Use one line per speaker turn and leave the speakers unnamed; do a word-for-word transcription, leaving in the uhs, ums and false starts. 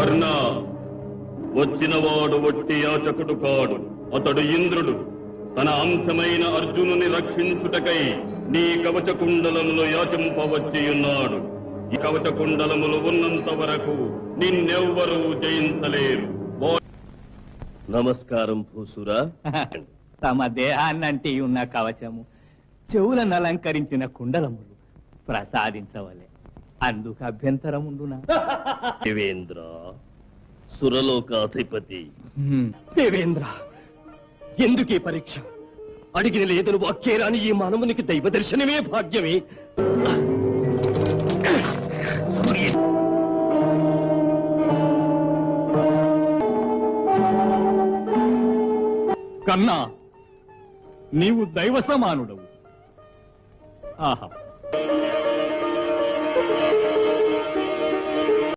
కర్ణ, వచ్చినవాడు ఒట్టి యాచకుడు కాడు, అతడు ఇంద్రుడు. తన అంశమైన అర్జునుని రక్షించుటకై నీ కవచ కుండలములు యాచింపవచ్చి ఉన్నాడు. ఈ కవచ కుండలములు ఉన్నంత వరకు నిన్నెవ్వరూ జయించలేరు. నమస్కారం భూసురా.
తమ దేహాన్నంటి ఉన్న కవచము, చెవులను అలంకరించిన కుండలములు ప్రసాదించవలే. అందుకు అభ్యంతరముండునా?
దేవేంద్ర, సురలోకాధిపతి.
దేవేంద్ర, ఎందుకీ పరీక్ష? అడిగిన లేదను వాక్యేరాని ఈ మానవునికి దైవ దర్శనమే భాగ్యమే. కన్నా, నీవు దైవ సమానుడవు. ఆహా,